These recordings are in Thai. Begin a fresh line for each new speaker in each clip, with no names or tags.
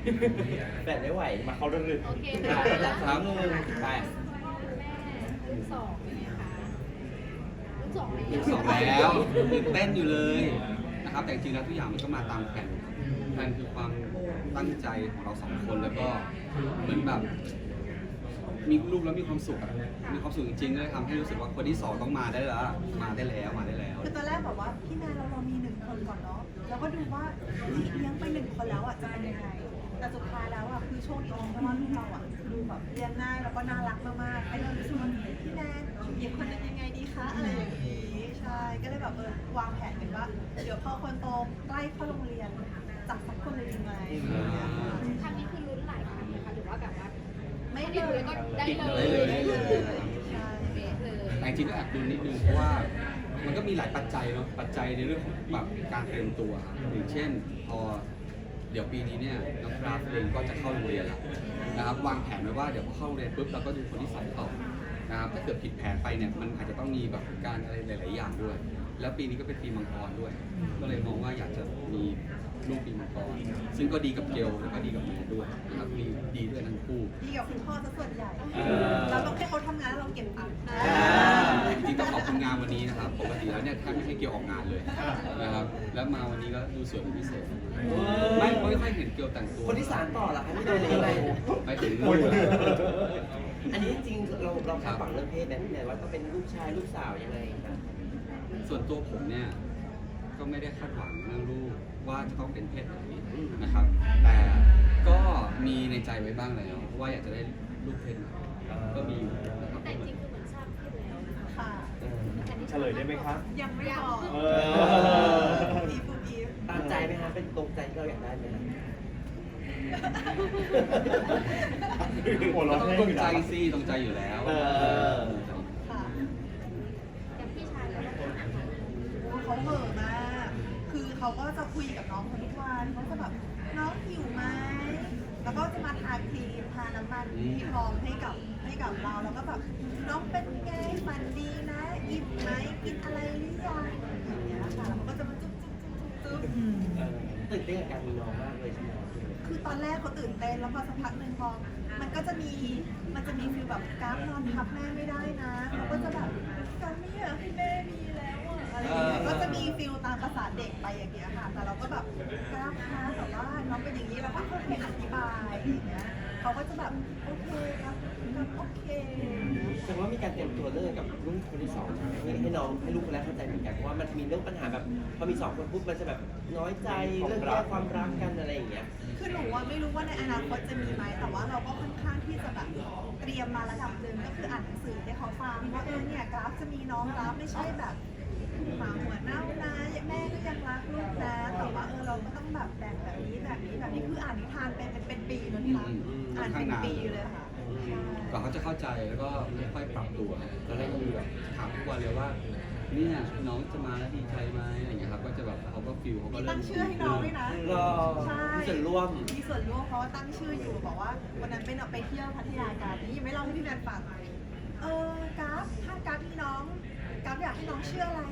แบบไม่ไหวมาเขาเรื่องลึก
โอเค
ค่ะ
ค่ะ
ครับไป
แม่ลูกสองเป็นไงคะลูกสองเลย
สองแล้วตื่นเต้นอยู่เลยนะครับแต่จริงๆแล้วทุกอย่างมันก็มาตามแผนคือความตั้งใจของเราสองคนแล้วก็เหมือนแบบมีลูกแล้วมีความสุขอะมีความสุขจริงๆเลยทำให้รู้สึกว่าคนที่สองต้องมาได้แล้วมาได้แล้ว
คือตอนแรกแบบว่าพี่แมนเรามี1 คนก่อนเนาะแล้วก็ดูว่าเลี้ยงไป1 คนแล้วอ่ะจะเป็นยังไงแต่สุดท้ายแล้วอ่ะคือโชคดีเพราะว่าลูกเราอ่ะดูแบบเลี้ยงง่ายแล้วก็น่ารักมากๆให้เรารู้สึกว่าพี่แมนอีกคนนึงยังไงดีคะอะไรอย่างนี้ใช่ก็เลยแบบวางแผนกันว่าเดี๋ยวพอคนโตใกล้เข้าโรงเรียนจับสักคนเลยดีไหมอย่างเงี้ยค่ะ
ครั้งนี้คือลุ้นหลายครั้งเลยค่ะหรือว่าแบบว่า
ไม่
ได้
เล
เลย ยก็ได้เลย
ได้เลยใช่
เป๊ะเลย
แต่จริงๆก็แอบดูนิดนึงเพราะว่ามันก็มีหลายปัจจัยเนาะปัจจัยในเรื่องของแบบการเตรียมตัวอย่างเช่นพอเดี๋ยวปีนี้เนี่ยน้องกราฟเองก็จะเข้าโรงเรียนแล้วนะครับวางแผนไว้ว่าเดี๋ยวพอเข้าโรงเรียนปุ๊บเราก็ดูคนที่สองต่อนะครับถ้าเกิดผิดแผนไปเนี่ยมันอาจจะต้องมีแบบการอะไรหลายๆอย่างด้วย แล้วปีนี้ก็เป็นปีมังกรด้วย ก็เลยมองว่าอยากจะมีลูกปีมังกรซึ่งก็ดีกับเกลแล้วก็ดีกับแม่ด้วยนะครับดีด้วยทั้งคู่
ดีกับคุณพ่อซะส่วนใหญ่เราต้องให้เขาทำงานแล้วเราเก็บตังค์
จริงๆต้องขอบคุณงานวันนี้นะครับ ปกติแล้วเนี่ยแทบไม่ใช่เกี่ยวออกงานเลยนะครับ แล้วมาวันนี้ก็ดูสวยเป็นพิเศษ ไม่ค่อยเห็นเกี่ยวแต่งตัว
คนที่3ต่อเหรอคะที่โดนอะไร
ไปถึง
อันนี้จริงเราคาดหวังเรื่องเพศแบบว่าต้องเป็นลูกชายลูกสาวยังไงคะ
ส่วนตัวผมเนี่ยก็ไม่ได้คาดหวังเรื่องลูกว่าจะต้องเป็นเพศไหนนะครับ แต่ก็มีในใจไว้บ้างแล้วว่าอยากจะได้ลูกเพศไหนก็มีอยู่นะครับ
แต่จริงคือเหมือนทราบขึ้นแล้วนะคะ
ค่ะ
เฉลยได้ไหมครับ
ยังไม่บอก
เออ
อีฟอีฟ
ตามใจไหมคะเป็นตรงใจที่เราอยากได้ไหมคะ
หัวเราะ
ต้อง
แห้
ตรง
อยู่
ใจ
นะ
สิตรงใจอยู่แล้ว
ค่ะ
อย่างพี่ชายแล้วนะคะ
โอ้เขาเหม่อมาก คือเขาก็จะคุยกับน้องคนทุกวันเขาจะแบบน้องหิวไหม แล้วก็จะมาทาครีมทาน้ำมันที่พร้อมให้กับเรา แล้วก็แบบน้องเป็นไงฝันดีนะอิ่มไหมกินอะไรหรือยังอย่างเงี้ยค่ะแล้วเขาก็จะมาจุ๊บ
ตื่นเต้นกับการมีน้องมากเลยใช่ไหม
คือตอนแรกเขาตื่นเต้นแล้วพอสักพักหนึ่งพอมันจะมีฟีลแบบกราฟนอนทับแม่ไม่ได้นะเขาก็จะแบบกราฟไม่อยากให้แม่มีแล้วอะอะไรอย่างเงี้ยก็จะมีฟีลตามภาษาเด็กไปอย่างเงี้ยค่ะ แต่เราก็แบบกราฟคะแต่ว่าน้องเป็นอย่างนี้เราก็ค่อยๆอธิบายอย่างเงี้ยเขาก็จะแบบโอเคครับโอเค
แสดงว่ามีการเตรียมตัวเรื่องกับลูกคนที่2ให้น้องให้ลูกคนแรกเข้าใจเหมือนกันเพราะว่ามันมีเรื่องปัญหาแบบพอมี2 คนปุ๊บมันจะแบบน้อยใจเรื่องแยกความรักกันอะไรอย่างเงี้ย
คือหนูว่าไม่รู้ว่าในอนาคตจะมีไหมแต่ว่าเราก็ค่อนข้างที่จะแบบเตรียมมาระดับหนึ่งก็คืออ่านหนังสือให้เขาฟังว่าเนี่ยกราฟจะมีน้องกราฟไม่ใช่แบบหมาหัวเน่านะแม่ก็ยังรักลูกนะแต่ว่าเราก็ต้องแบบแบ่งแบบนี้คืออ่านนิทานเป็นปีเลยค่ะอ่านเป็นปีเลยค่ะ
กว่าเขาจะเข้าใจแล้วก็ค่อยๆปรับตัวตอนแรกก็คือแบบถามทุกวันเลยว่าเนี่ยน้องจะมาแล้วดีใจไหมอะไรอย่างเงี้ยครับก็จะแบบเขาก็ฟิลเขาก็
มี
เริ่
ตั้
ม
งชื่อให้น้องด้วยนะ
รอ
ใช่
มีส่วนร่วม
มีส่วนร่วมเพราะว่าตั้งชื่ออยู่บอกว่าวันนั้นไปเที่ยวพัทยากันนี่ยังไม่เล่าให้พี่แมนฟังกราฟถ้ากราฟมีน้องกราฟอยากให้น้องชื่ออะไร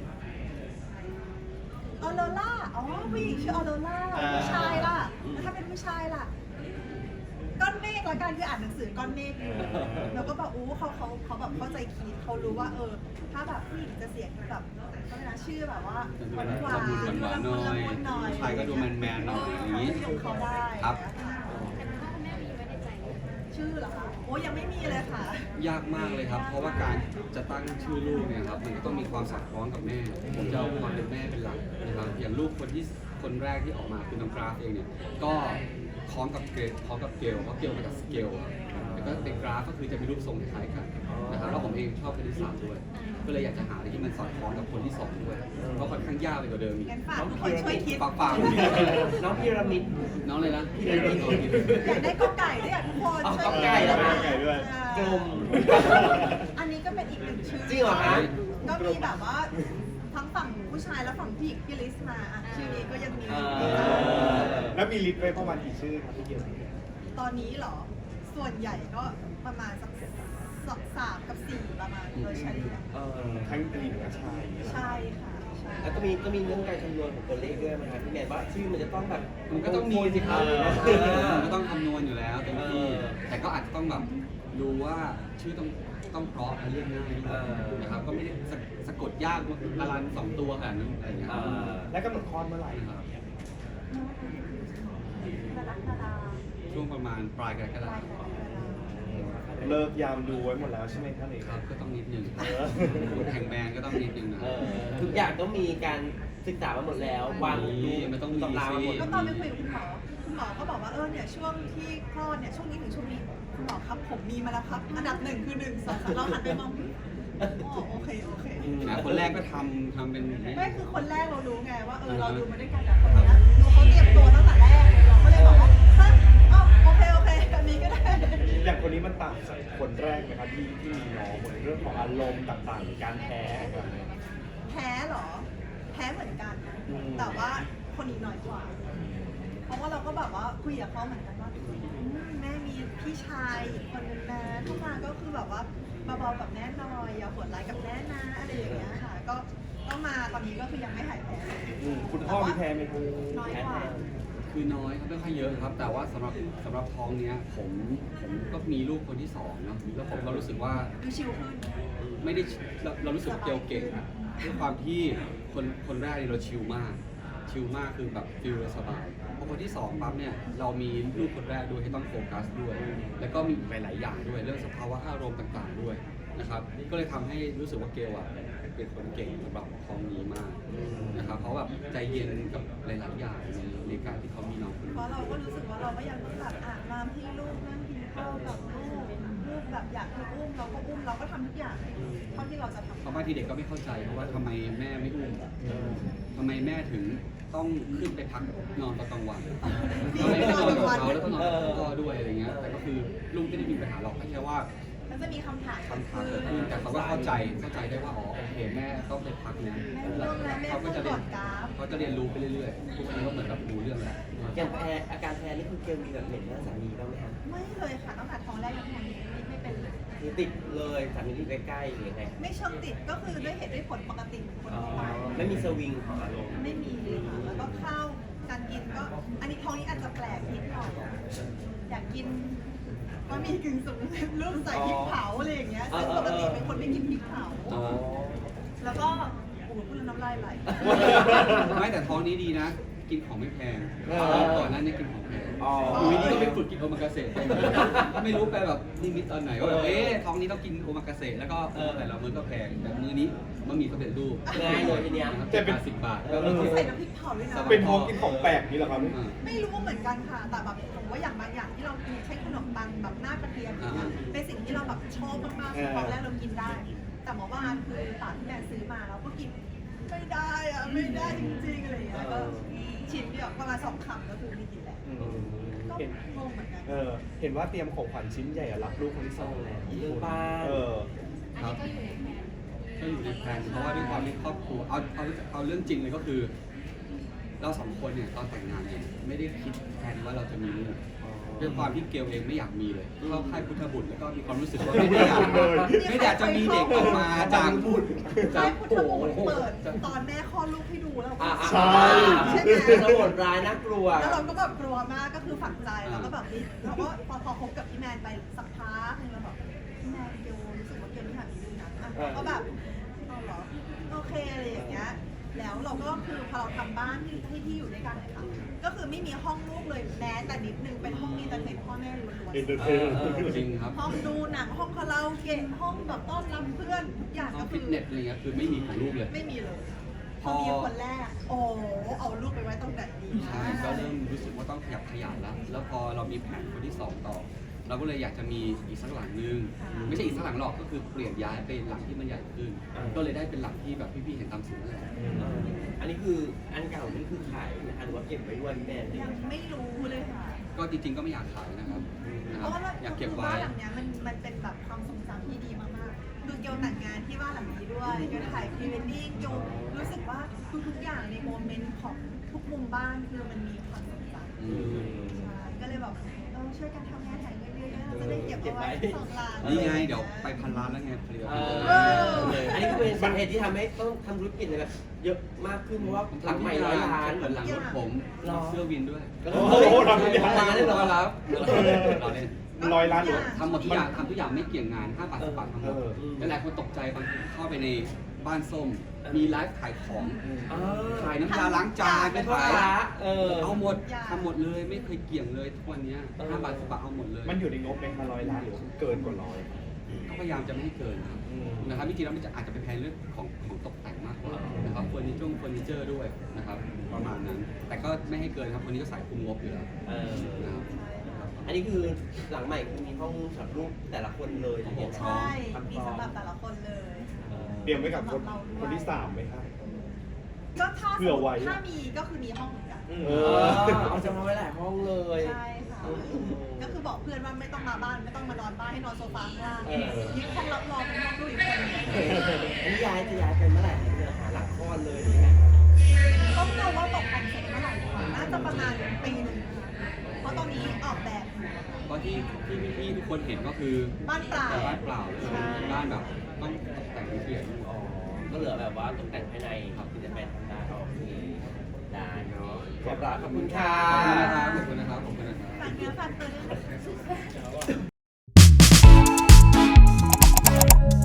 ออโรล่าอ๋อผู้หญิงชื่อออโรล่าผู้ชายล่ะแล้วถ้าเป็นผู้ชายล่ะก้อนเมฆละกันคืออ่านหนังสือก้อนเมฆอยู่แล้วก็แบบเขาแบบเข้าใจคิดเขารู้ว่าถ้าแบบผู้หญิงจะเสียงแบบเขาเรียกนะชื่อแบบว่าหวานหวาน
หวานๆหน่อยผู้ชายก็ดูแมนๆหน่อยอย่างนี้
ของเขาได้
ครับ
แต่คุณพ่อคุณแม่มีไว้ในใจไหม
ชื่อเหรอคะโอ้ยังไม่มีเลยค่ะ
ยากมากเลยครับ เพราะว่าการจะตั้งชื่อลูกเนี่ยครับมันก็ต้องมีความสอดคล้องกับแม่ผมจะเอาความเป็นแม่เป็นหลักนะครับอย่างลูกคนแรกที่ออกมาคือน้องกราฟเองเนี่ยก็คล้องกับเกลเพราะเกลมาจากสเกลแล้วก็เป็นกราฟก็คือจะมีรูปทรงคล้ายๆกันนะครับแล้วผมเองชอบคณิตศาสตร์ด้วย ก็เลยอยากจะหาอะไรที่มันสอดคล้องกับคนที่สองด้วยก็ค่อนข้างยากไปกว่าเดิมอีก
งั้นฝากทุกคนช่วยคิด
ฝาก
น้องพีระมิด
น้องเลยนะ
อยากได้กอไก่ด้วยอ่ะทุกคน
เอา
ช่วย
กอไก่เหรอคะ
ไก่ด้วย
กลม
อันนี้ก็เป็นอีกหนึ่งชื่อ
จริงเหรอคะ
ก็มีแบบว่าทั้งฝั่งผู้ชายและฝั่งผู้หญิงที่ลิสต์มาอ่ะชื่อนี้ก็ยังมี
แล้วมีลิสต์ไว้ประมาณกี่ชื่อครับพี่เกียว
ตอนนี้เหรอ ส่วนใหญ่ก็ประมาณสัก3 กับ 4ประมาณโดยเฉลี่ย
ทั้งหญิงและชาย
ใช่ค่ะ
แล้วก็มีเรื่องการคำนวณของตัวเลขด้วยไหมครับพี่แมนว่าชื่อมันจะต้องแบบ
มันก็ต้องมีสิครับ
เออ
มันก็ต้องคำนวณอยู่แล้วเต็มที่
เออ
แต่ก็อาจจะต้องแบบดูว่าชื่อต้องเพราะและเรียกง่ายด้วยนะครับ ก็ไม่ได้สะกดยากละลัน2 ตัวขนาดนั้นอะไรอย่างเงี้ยครับ
และกำหนดคลอดเมื่อไหร่
นะครับ
กรกฎาคม
ช่วงประมาณปลายกรกฎาคม
เลิกยามดูไว้หมดแล้วใช่ไหมท่านเอก
ครับก็ต้องนิดนึง
เออ
คุณแห่งแบรนด์ก็ต้องนิดนึงนะ
ทุกอย่างต้องมีการศึกษามาหมดแล้ววาง
มันต้องมี
ตำรามาหมด
สิ
ก็ตอนไปคุยกับคุณหมอก็บอกว่าเนี่ยช่วงที่คลอดเนี่ยช่วงนี้ถึงช่วงนี้คุณหมอครับผมมีมาแล้วครับอันดับ 1 คือ 1 2 3เราหันไปมองอ๋อโอเค
นะคนแรกก็ทำเป็น
ไม่คือคนแรกเรารู้ไงว่าเราดูมาด้วยกันแต่คนเนี้ยดูเขาเตรียมตัวตั้งแต่แรกเราก็เลยบอกว่าฮะอ๋อโอเคแบบนี้ก็ได้
อย่างคนนี้มันต่างจากคนแรกไหมครับที่มีน้องเหมือนเรื่องของอารมณ์ต่างๆหรือการแพ้แบบนี้
แพ้เหรอ แพ้เหมือนกัน แต่ว่าคนนี้น้อยกว่า เพราะว่าเราก็แบบว่าคุยกับเขาเหมือนกันว่าแม่มีพี่ชายอีกคนนึงนะเข้ามาก็คือแบบว่าเบาๆกับแม่หน่อยอย่าโหดร้ายกับแม่นะอะไรอย่างเงี้ยค่ะ ก็มาตอนนี้ก็คือยังไม่หายแพ้เลย
คุณพ่อมีแพ้ไหมครับ
น้อยกว่า
คือน้อยครับไม่ค่อยเยอะครับ แต่ว่าสำหรับท้องเนี้ยผมก็มีลูกคนที่2เนาะแล้วผมก็รู้สึกว่า
ดูชิลขึ้น
ไม่ได้เรารู้สึกเกี่ยวเก่งอะด้วยความที่คนแรกเนี่ยเราชิลมากคือแบบฟิลสบายพอคนที่2ปั๊บเนี่ยเรามีลูกคนแรกด้วยที่ต้องโฟกัสด้วย แล้วก็มีหลายๆอย่างด้วยเรื่องสภาวะอารมณ์ต่างๆด้วยนะครับก็เลยทำให้รู้สึกว่าเกลอะเป็นคนเก่งสำหรับท้องนี้มากนะครับเพราะแบบใจเย็นกับหลายๆอย่างในการที่เขามีน้องคนนี้
เพราะเราก็รู้สึกว่าเราก็ยังต้องแบบมาที่ลูกนั่งกินข้าวกับลูกแบบอยากให้อุ้มเราก็อุ้มเราก็ทำทุกอย่างเท่าที่เราจะทำ
เพราะบางทีเด็กก็ไม่เข้าใจเพราะว่าทำไมแม่ไม่อุ้มทำไมแม่ถึงต้องขึ้นไปพักนอนตอนกลางวันทำไมไม่นอนกับเขาแล้วก็นอนกับพ่อด้วยอะไรเงี้ยแต่ก็คือลูกไม่ได้มีปัญหาหรอกแค่ว่า
มันจะมีคำถาม
คำถามเกิดขึ้นแต่เขาก็เข้าใจได้ว่าอ๋อโอเคแม่ต้องไปพักนะแล้วเขาก็จะเรียนเขาจะเรียนรู้ไปเรื่อยๆทุกคนก็เหมือนกับรู้เรื่องแล้ว
อย่างแพ้อาการแพ้นี่คือเกลมีแบบเหม็นหน้าสามีบ้างไหมครับ
ไม่เลยค่ะตั้งแต่ท้องแรกยังท้องนี้ไม่เป็นเลย
คือติดเลยสามีที่ใกล้ๆหรือยังไง
ไม่เชิงติดก็คือด้วยเหตุด้วยผลปกติของคน
อ๋อ
ทั่วไป
ไม่มีสวิงของอารมณ์
ไม่มีค่ะแล้วก็ข้าวการกินก็อันนี้ท้องนี้อาจจะแปลกนิดหน่อยอยากกินก็มีกึ่งสำเร็จรูปใส่พริกเผาอะไรอย่างเงี้ยซึ่งปกติเป็นคนไม่กินพริกเผา
อ๋อ
แล้วก็โอ้โหพูดแล้วน้ำลายไหล
ไม่แต่ท้องนี้ดีนะ กินของไม่แพงก่อนหน้านี้กินของแพง
อ๋อ
อยู่ดีๆก็ไปฝึกกินโอมากาเสะไม่รู้ไปแบบนิมิตตอนไหนว่าแบบท้องนี้ต้องกินโอมากาเสะแล้วก็แต่ละมื้อก็แพงแต่มื้อนี้มันมีสำเร็จรูป
ง่ายเลยทีเนี้ย
นะครับ10 บาทก็
แล้ว
เริ่ม
ก็ใส่น้ำพริกเผาด้วยนะ
เป็นท้องกินของแปลกนี่เหรอครับ
ไม่รู้เหมือนกันค่ะ แต่แบบผมว่าอย่างบางอย่างที่เรากินเช่นขนมปังแบบหน้ากระเทียมอย่างเงี้ยเป็นสิ่งที่เราแบบชอบมากๆคือตอนแรกเรากินได้ แต่เมื่อวานคือตอนที่แม่ซื้อมาเราก็กินไม่ได้อะไม่ได้จริงๆอะไรอย่างเงี้ยก็ชิ้นเดียวประมาณ2 คำก็คือไม่กินแล้วก็
เห็น
งงเหมือนกัน
เห็นว่าเตรียมของขวัญชิ้นใหญ่อะรับลูกคนที่ 2แล้ว
เรื่องบ้าน
ครับ
ก็อยู่ในแผน
ก็อยู่ในแผนเพราะว่าด้วยความที่ครอบครัวเอาเรื่องจริงเลยก็คือ เรา2 คนเนี่ยตอนแต่งงานเนี่ยไม่ได้คิดแผนว่าเราจะมีลูกด้วยความที่เกลเองไม่อยากมีเลยเข้าค่ายพุทธบุตรแล้วก็มีความรู้สึกว่าไม่ได้อยากจะมีเด็กออกมาจากบุตร
ใช่พุทธมนต์เปิดตอนแม่คลอดลูกให้ดูแล้วก็
ใช่
ใช่ไหม
เป็นโหดร้ายน่ากลัว
แล้วเราก็แบบกลัวมากก็คือฝังใจแล้วก็แบบนี้เราก็พอคบกับพี่แมนไปสักพักนึงเราแบบพี่แมนเกียวรู้สึกว่าเกียวไม่อยากมีลูกนะอ่ะก็แบบเอาเหรอโอเคอะไรอย่างเงี้ยแล้วเราก็คือพอเราทำบ้านที่อยู่ด้วยกันเลยค่ะก็คือไม่มีห้องลูกเลยแม้แต่นิดนึงเป็นห้องมีแต่เด็กพ่อแม่ล้วน
เอ็นเตอร์เทน
จริงครับ
ๆห้องดูหนังห้องคาราโอเกะห้องแบบต้อนรับเพื่อนทุกอย่าง
ห้อ
ก็
ง
คื
ฟิ
อ
ตเนสอะไรเงี้ยคือไม่มีของลูกเลย
ไม่มีเลยพ
พ
อ
อ
มีคนแรกโอ้เอาลูกไปไว้ตรงไหนดีนะ
ใช่ก็เริ่มรู้สึกว่าต้องขยับขยายแล้วแล้วพอเรามีแผนคนที่ 2 ต่อ เราก็เลยอยากจะมีอีกสักหลังนึงไม่ใช่อีกสักหลังหรอกก็คือเปลี่ยนย้ายไปหลังที่มันใหญ่ขึ้น ก็เลยได้เป็นหลังที่แบบพี่ๆเห็นตามสื่อนั่นแหละ
อันนี้คืออันเก่านี่คือขายนะคะหรือว่าเก็บไว้ด้วยพี่แมน
ยังไม่รู้เลยค่ะ
ก็จริงๆก็ไม่อยากขายนะครับ
เพราะว่า
อยากเก็บ
คือ
ไว้
บ้านหลังเนี้ยมันเป็นแบบความทรงจำที่ดีมากๆคือเกียวแต่งงานที่บ้านหลังนี้ด้วยเกียวถ่ายพรีเวดดิ้งเกียวรู้สึกว่าทุกๆอย่างในโมเมนต์ของทุกมุมบ้านคือมันมีความทรงจำ
อืม
ใช่ก็เลยแบบช่วยกันทำงานถ่ายเยอะๆเราจะได้เก็บ
เก็บไว้
2 ล้าน
นี่ไงเดี๋ยวไป1,000 ล้านแล้วไงผลิตภัณฑ์
อันนี้ก็เป็นสาเหตุที่ทำให้ต้องทำธุรกิจอะไรแบบเยอะมากขึ้นเพราะว่าหลังใหม่100 ล้าน
เหมือนหลังรถผม
หรอ
เสื้อวินด้วย
โอ้โหทำทุกอย่าง
ล้านเลยเหรอ
ครับเราเล่น
100 ล้านหรือ
ทำหมดทุกอย่างทำทุกอย่างไม่เกี่ยงงาน5 บาท 10 บาททั้งหมด หลายคนตกใจบางเข้าไปในบ้านส้ม มีไลฟ์ขายของ ขายน้ำยาล้างจานไม่
พ่อ
ขาย
ค้า
เอาหมดทำหมดเลยไม่เคยเกี่ยงเลยทุกวันเนี้ย5 บาท 10 บาทเอาหมดเลย
มันอยู่ในงบไหมคะ100 ล้านหรือเกินกว่า
ก็พยายามจะไม่ให้เกินครับ
100
นะครับจริงๆแล้วมันจะอาจจะเป็นแพลนเรื่องของตกแต่งมากกว่านะครับเฟอร์นิเจอร์ด้วยนะครับประมาณนั้น แต่ก็ไม่ให้เกินครับวันนี้ก็สายคุมงบอยู่แล้วนะครับ
อันนี้คือหลังใหม่คือมีห้องสำหรับลูกแต่ละคนเลยอย่างเงี้ย
ใช่ มีสำหรับแต่ละคนเลย
เตรียมไว้กับคนที่ 3ไหมครับ
ก็ถ้า
เผื่อไว้
ถ้ามีก็คือมีห้องเหมือนกัน
เอาจะมาไว้หลายห้องเลย
ใช่ค่ะ ก็คือบอกเพื่อนว่าไม่ต้องมาบ้านไม่ต้องมานอนบ้านให้นอนโซฟาข้างล่าง
เออ
ยึดห้องรับรองเป็นห้องลูกอีกคนหนึง
อันนี้จะย้ายไปเมื่อไหร่เนี่ยหาหลักก้อนเลยหรือไง
ต้องดูว่าตกแต่งเสร็จเมื่อไหร่ดีกว่าน่าจะประมาณปีหนึ่งนะคะเพราะตอนนี้ออกแบบอยู่
เพราะที่พี่ทุกคนเห็นก็คือ
บ้านเปล่า
บ้านเปล่าเลยบ้านแบบต้องตกแต่งละเอียด
ก็เหลือแบบว่าตกแต่งภายในครับที่จะไปทำได้โอเคได้เนาะขอบคุณค่ะ
ขอบคุณนะครับขอบคุณนะครับ
ฝากเนื้อฝากตัวด้วยนะคะ